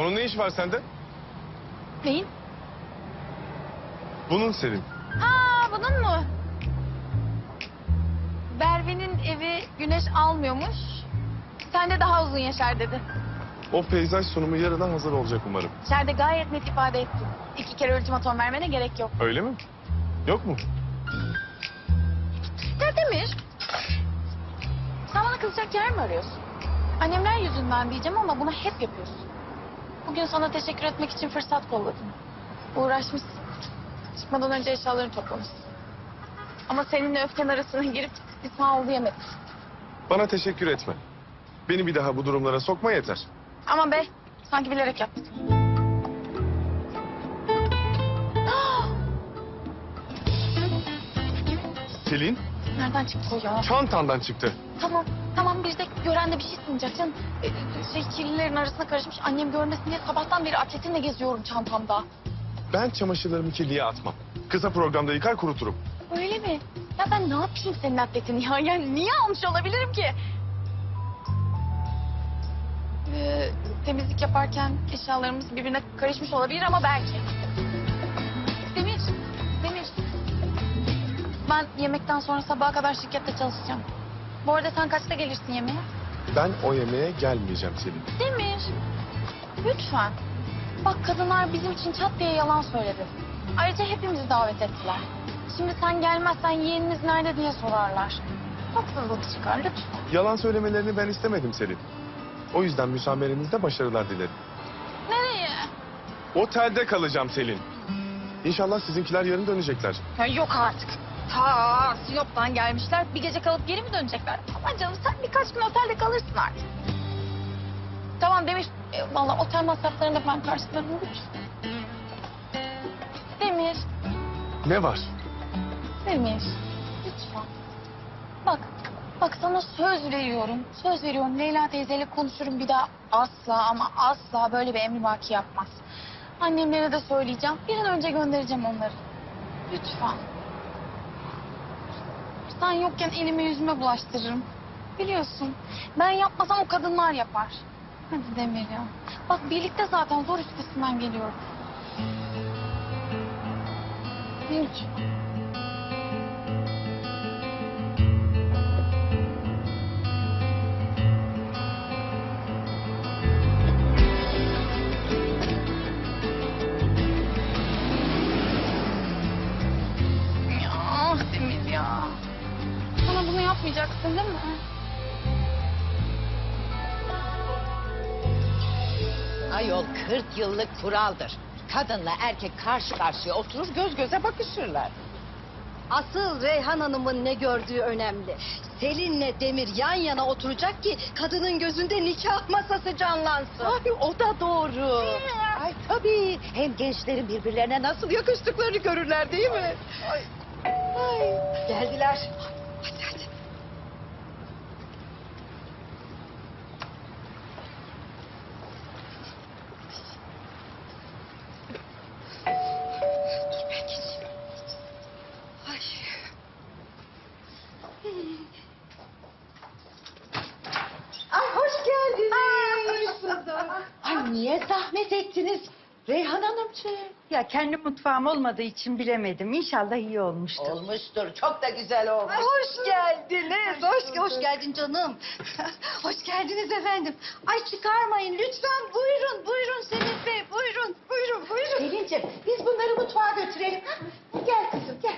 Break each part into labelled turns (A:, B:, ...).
A: Onun ne işi var sende?
B: Neyin?
A: Bunun Selin.
B: Ha, bunun mu? Berve'nin evi güneş almıyormuş. Sen de daha uzun yaşar dedi.
A: O peyzaj sunumu yarına hazır olacak umarım.
B: İçeride gayet net ifade ettin. 2 kere ultimatom vermene gerek yok.
A: Öyle mi? Yok mu?
B: Ya Demir, sen bana kızacak yer mi arıyorsun? Annemler yüzünden diyeceğim ama bunu hep yapıyorsun. Bugün sana teşekkür etmek için fırsat kolladım. Uğraşmışsın. Çıkmadan önce eşyalarını toplamışsın. Ama seninle öfken arasına girip bir sağ ol diyemedim.
A: Bana teşekkür etme. Beni bir daha bu durumlara sokma yeter.
B: Aman be, sanki bilerek yaptın.
A: Selin,
B: Nereden çıktı o ya?
A: çantandan çıktı.
B: Tamam bir de gören de bir şey sanacak canım. Kirlilerin arasına karışmış, annem görmesin diye sabahtan beri atletinle geziyorum çantamda.
A: Ben çamaşırlarımı kirliye atmam. Kısa programda yıkar kuruturum.
B: Öyle mi? Ya ben ne yapayım senin atletini ya? Yani niye almış olabilirim ki? Temizlik yaparken eşyalarımız birbirine karışmış olabilir ama belki. Demir. Ben yemekten sonra sabaha kadar şirkette çalışacağım. Bu arada sen kaçta gelirsin yemeğe?
A: Ben o yemeğe gelmeyeceğim Selin.
B: Demir. Lütfen. Bak kadınlar bizim için çat diye yalan söyledi. Ayrıca hepimizi davet ettiler. Şimdi sen gelmezsen yeğeniniz nerede diye sorarlar. Haksızlık çıkar lütfen.
A: Yalan söylemelerini ben istemedim Selin. O yüzden müsamerenizde başarılar dilerim.
B: Nereye?
A: Otelde kalacağım Selin. İnşallah sizinkiler yarın dönecekler.
B: Ya yok artık. Ta Sinop'tan gelmişler. Bir gece kalıp geri mi dönecekler? Aman canım sen birkaç gün otelde kalırsın artık. Tamam Demir. Vallahi otel masraflarını da ben karşılarım lütfen. Demir.
A: Ne var?
B: Demir. Lütfen. Bak sana söz veriyorum. Söz veriyorum. Leyla teyzeyle konuşurum bir daha asla ama asla böyle bir emrivaki yapmaz. Annemlere de söyleyeceğim. Bir an önce göndereceğim onları. Lütfen. Sen yokken elime yüzüme bulaştırırım. Biliyorsun. Ben yapmasam o kadınlar yapar. Hadi Demir ya. Bak birlikte zaten zor üstesinden geliyoruz. Lütfen. Ya Demir ya. Sana bunu yapmayacaksın değil mi?
C: Ayol 40 yıllık kuraldır. Kadınla erkek karşı karşıya oturur göz göze bakışırlar.
D: Asıl Reyhan Hanım'ın ne gördüğü önemli. Selin'le Demir yan yana oturacak ki kadının gözünde nikah masası canlansın.
C: Ay o da doğru. Ay tabii. Hem gençlerin birbirlerine nasıl yakıştıklarını görürler değil mi? Ay. Ay.
D: Geldiler.
C: Hadi hadi. Dur ben geçeyim. Ay. Ay hoş geldiniz. Ay niye zahmet ettiniz Reyhan Hanımcığım?
E: Ya kendi mutfağım olmadığı için bilemedim. İnşallah iyi olmuştur.
C: Olmuştur. Çok da güzel olmuş.
D: Ay, hoş geldiniz. Hoş geldin canım. Hoş geldiniz efendim. Ay çıkarmayın lütfen. Buyurun Selim Bey. Buyurun.
C: Selin'ciğim biz bunları mutfağa götürelim. Ha? Gel kızım gel.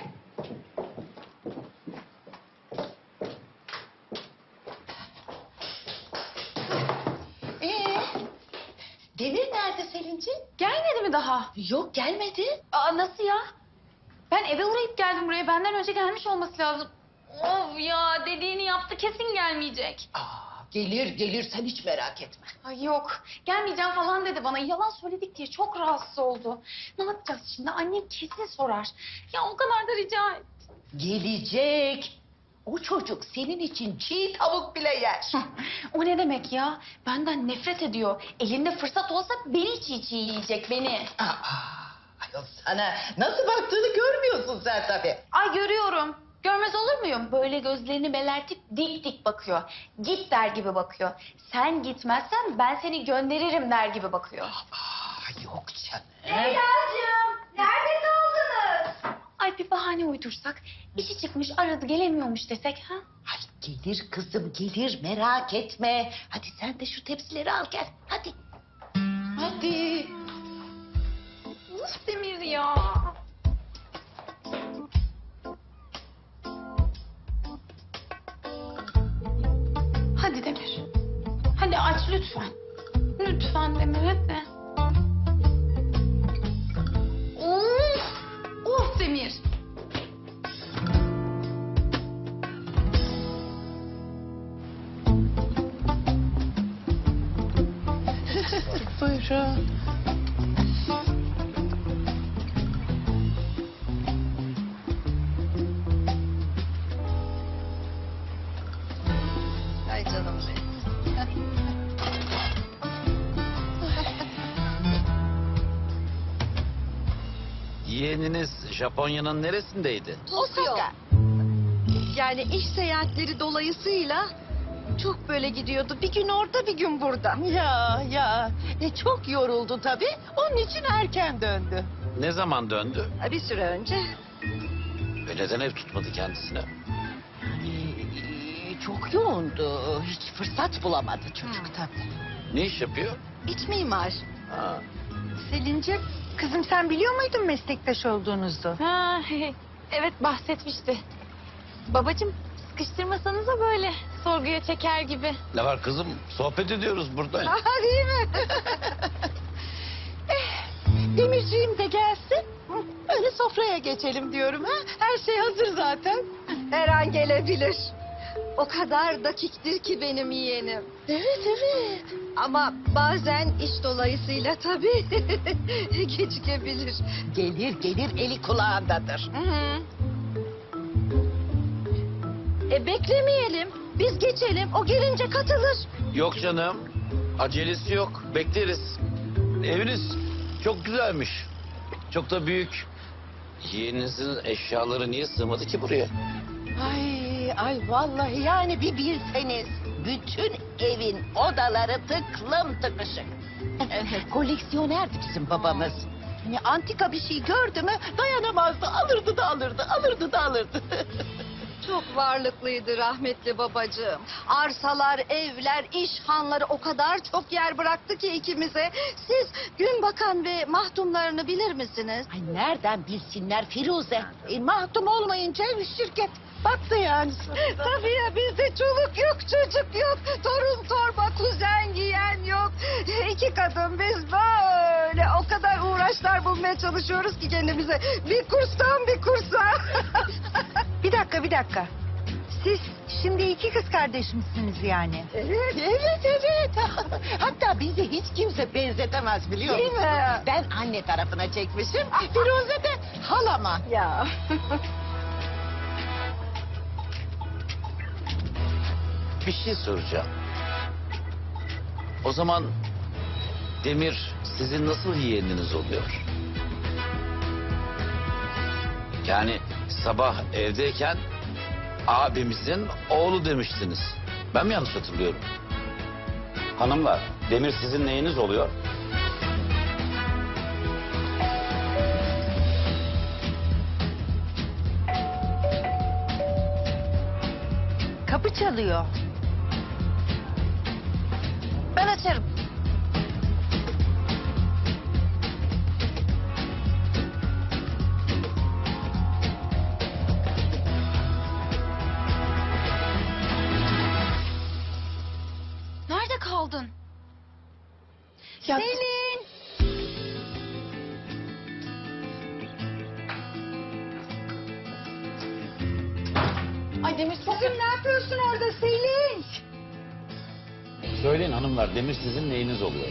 C: Demir nerede Selin'ciğim?
B: Gelmedi mi daha?
C: Yok gelmedi.
B: Aa nasıl ya? Ben eve uğrayıp geldim buraya. Benden önce gelmiş olması lazım. Of ya dediğini yaptı kesin gelmeyecek.
C: Gelir sen hiç merak etme.
B: Ay yok gelmeyeceğim falan dedi bana. Yalan söyledik diye çok rahatsız oldu. Ne yapacağız şimdi? Annem kesin sorar. Ya o kadar da rica et.
C: Gelecek. O çocuk senin için çiğ tavuk bile yer.
B: O ne demek ya? Benden nefret ediyor. Elinde fırsat olsa beni çiğ çiğ yiyecek beni.
C: Ayol sana nasıl baktığını görmüyorsun sen tabii.
B: Ay görüyorum. Görmez olur muyum? Böyle gözlerini belertip dik dik bakıyor. Git der gibi bakıyor. Sen gitmezsen ben seni gönderirim der gibi bakıyor.
C: Yok canım.
D: Leyla'cığım nerede kaldınız?
B: Ay bir bahane uydursak, işi çıkmış aradı gelemiyormuş desek ha?
C: Ay gelir kızım gelir merak etme. Hadi sen de şu tepsileri al gel. Hadi. Hadi.
B: Uf Demir ya. Hadi Demir. Hadi aç lütfen. Lütfen Demir hadi. Of! Of Demir.
C: Buyurun.
D: Ay canım benim.
F: Yeğeniniz Japonya'nın neresindeydi?
D: Tokyo. Yani iş seyahatleri dolayısıyla çok böyle gidiyordu. Bir gün orada bir gün burada.
C: Ya çok yoruldu tabii. Onun için erken döndü.
F: Ne zaman döndü?
D: Bir süre önce.
F: Neden ev tutmadı kendisine?
C: Çok yoğundu. Hiç fırsat bulamadı çocuk tabii.
F: Ne iş yapıyor?
D: İç mimar.
F: Ha.
E: Selin'ciğim, kızım sen biliyor muydun meslektaş olduğunuzu?
B: Ha, evet bahsetmişti. Babacığım sıkıştırmasanıza böyle sorguya çeker gibi.
F: Ne var kızım? Sohbet ediyoruz burada.
C: Değil mi? Demirciğim de gelsin. Öyle sofraya geçelim diyorum ha. Her şey hazır zaten.
D: Her an gelebilir. O kadar dakiktir ki benim yeğenim.
C: Evet.
D: Ama bazen iş dolayısıyla tabii gecikebilir.
C: Gelir eli kulağındadır.
D: Beklemeyelim. Biz geçelim. O gelince katılır.
F: Yok canım. Acelesi yok. Bekleriz. Eviniz çok güzelmiş. Çok da büyük. Yeğeninizin eşyaları niye sığmadı ki buraya?
C: Ay vallahi yani bir bilseniz. Bütün evin odaları tıklım tıkışık. Koleksiyonerdi bizim babamız. Hani antika bir şey gördü mü dayanamazdı. Alırdı da alırdı, alırdı da alırdı.
D: Çok varlıklıydı rahmetli babacığım. Arsalar, evler, iş hanları o kadar çok yer bıraktı ki ikimize. Siz Günbakan ve mahdumlarını bilir misiniz?
C: Ay nereden bilsinler Firuze? Mahtum olmayınca şirket battı yani.
D: Tabii ya bizde çoluk yok, çocuk yok. Torun torba, kuzen giyen yok. İki kadın biz böyle o kadar uğraşlar bulmaya çalışıyoruz ki kendimize. Bir kurstan bir kursa.
E: Bir dakika. Siz şimdi iki kız kardeş misiniz yani?
C: Evet. Hatta bizi hiç kimse benzetemez biliyor
D: Değil
C: musun?
D: mi?
C: Ben anne tarafına çekmişim. Firuze de halama.
D: Ya.
F: Bir şey soracağım. O zaman Demir sizin nasıl yeğeniniz oluyor? Yani sabah evdeyken abimizin oğlu demiştiniz. Ben mi yanlış hatırlıyorum? Hanımlar, Demir sizin neyiniz oluyor?
E: Kapı çalıyor.
B: Ben açarım. Nerede kaldın?
A: Ya,
B: Selin. Ay Demir çok
D: Ne yapıyorsun orada Selin?
F: Söyleyin hanımlar, Demir sizin neyiniz oluyor?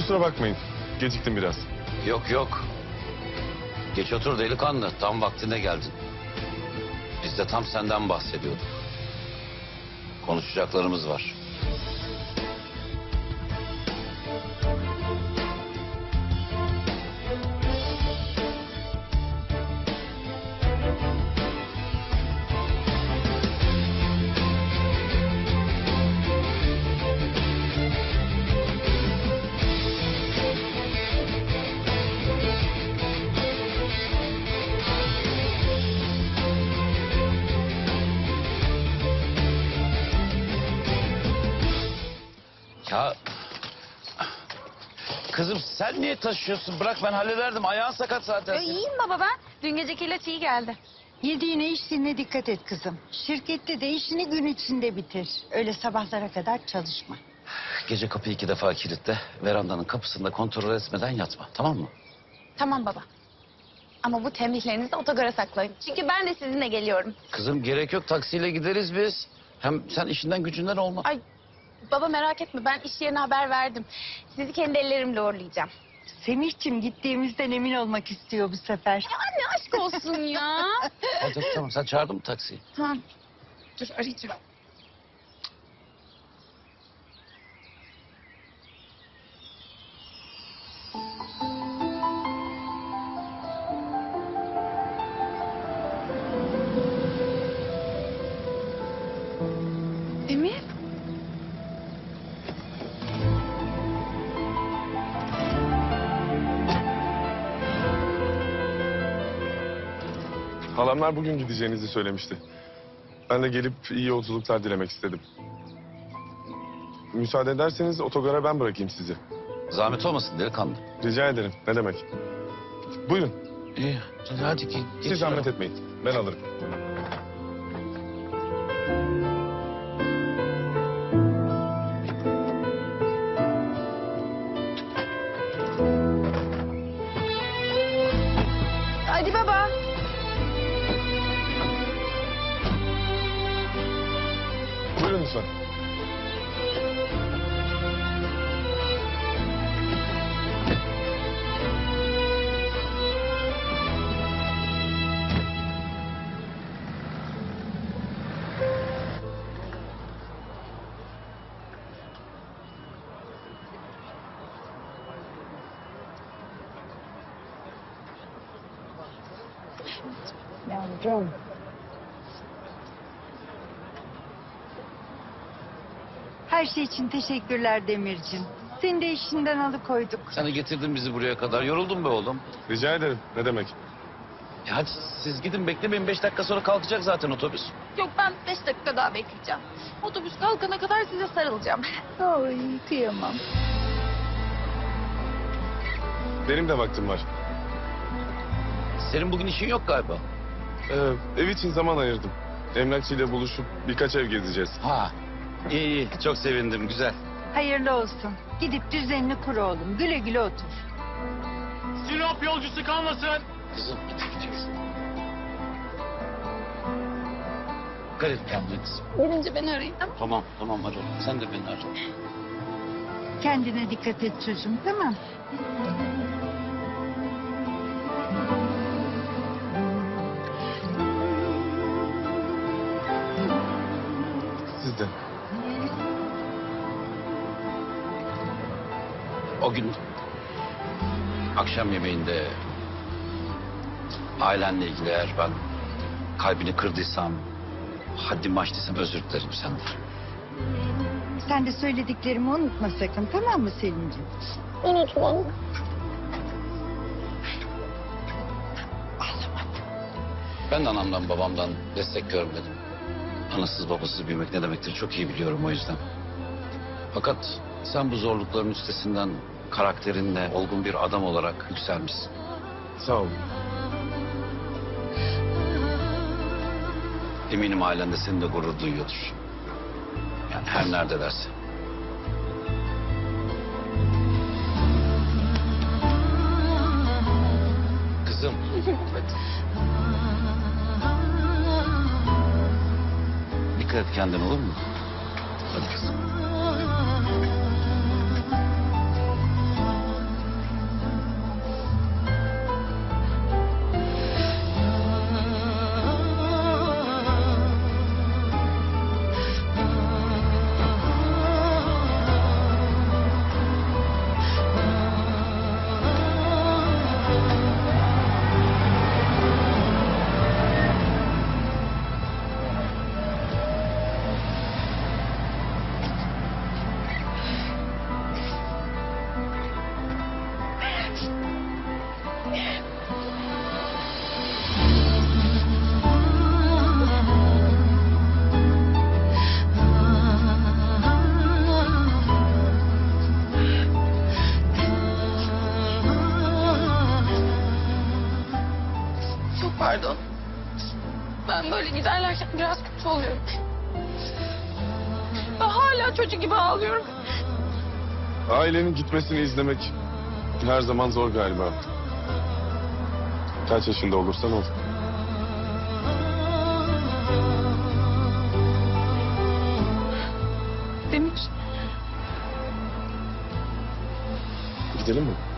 A: Kusura bakmayın. Geciktim biraz.
F: Yok yok. Geç otur delikanlı. Tam vaktinde geldin. Biz de tam senden bahsediyorduk. Konuşacaklarımız var. Ya kızım sen niye taşıyorsun? Bırak ben hallederdim. Ayağın sakat zaten.
B: İyiyim baba ben. Dün geceki ilaç iyi geldi.
E: Yediğine içtiğine dikkat et kızım. Şirkette de işini gün içinde bitir. Öyle sabahlara kadar çalışma.
F: Gece kapıyı 2 defa kilitle. Verandanın kapısında kontrol etmeden yatma. Tamam mı?
B: Tamam baba. Ama bu tembihlerinizi otogara saklayın. Çünkü ben de sizinle geliyorum.
F: Kızım gerek yok. Taksiyle gideriz biz. Hem sen işinden gücünden olma.
B: Ay baba merak etme ben iş yerine haber verdim. Sizi kendi ellerimle uğurlayacağım.
E: Semih'cim gittiğimizden emin olmak istiyor bu sefer.
B: Ya anne aşk olsun ya.
F: Hadi tamam sen çağırdın mı taksiyi?
B: Tamam. Dur arayacağım. Emir.
A: Halamlar bugün gideceğinizi söylemişti. Ben de gelip iyi yolculuklar dilemek istedim. Müsaade ederseniz otogara ben bırakayım sizi.
F: Zahmet olmasın delikanlı.
A: Rica ederim. Ne demek? Buyurun.
F: İyi. Hadi ki.
A: Siz zahmet etmeyin. Ben alırım.
B: Hadi baba.
A: Buyurun lütfen.
E: Yavrum. Her şey için teşekkürler Demircim. Seni de işinden alıkoyduk.
F: Sen de getirdin bizi buraya kadar. Yoruldun be oğlum.
A: Rica ederim. Ne demek?
F: Hadi siz gidin beklemeyin. 5 dakika sonra kalkacak zaten otobüs.
B: Yok ben 5 dakika daha bekleyeceğim. Otobüs kalkana kadar size sarılacağım.
E: Ay kıyamam.
A: Benim de vaktim var.
F: Senin bugün işin yok galiba.
A: Ev için zaman ayırdım. Emlakçıyla buluşup birkaç ev gezeceğiz.
F: Ha. İyi iyi. Çok sevindim. Güzel.
E: Hayırlı olsun. Gidip düzenini kur oğlum. Güle güle otur.
G: Sinop yolcusu kalmasın.
F: Kızım gidiyoruz. Dikkat et kendine kızım.
B: Gelince beni arayın tamam mı?
F: Tamam tamam hadi. Sen de beni ara.
E: Kendine dikkat et çocuğum, tamam?
A: Siz de.
F: O gün akşam yemeğinde ailenle ilgili eğer ben kalbini kırdıysam, haddimi aştıysam özür dilerim senden.
E: Sen de söylediklerimi unutma sakın, tamam mı Selimciğim?
B: Unutmam.
F: Ben de anamdan babamdan destek görmedim. Anasız babasız büyümek ne demektir çok iyi biliyorum o yüzden. Fakat sen bu zorlukların üstesinden karakterinle olgun bir adam olarak yükselmişsin.
A: Sağ olun.
F: Eminim ailen de seninle gurur duyuyordur. Yani her neredelerse. Kızım. Dikkat et kendine olur mu? Hadi kızım.
B: Biraz kötü oluyorum. Ben hala çocuk gibi ağlıyorum.
A: Ailenin gitmesini izlemek her zaman zor galiba. Kaç yaşında olursan ol.
B: Demir.
A: Gidelim mi?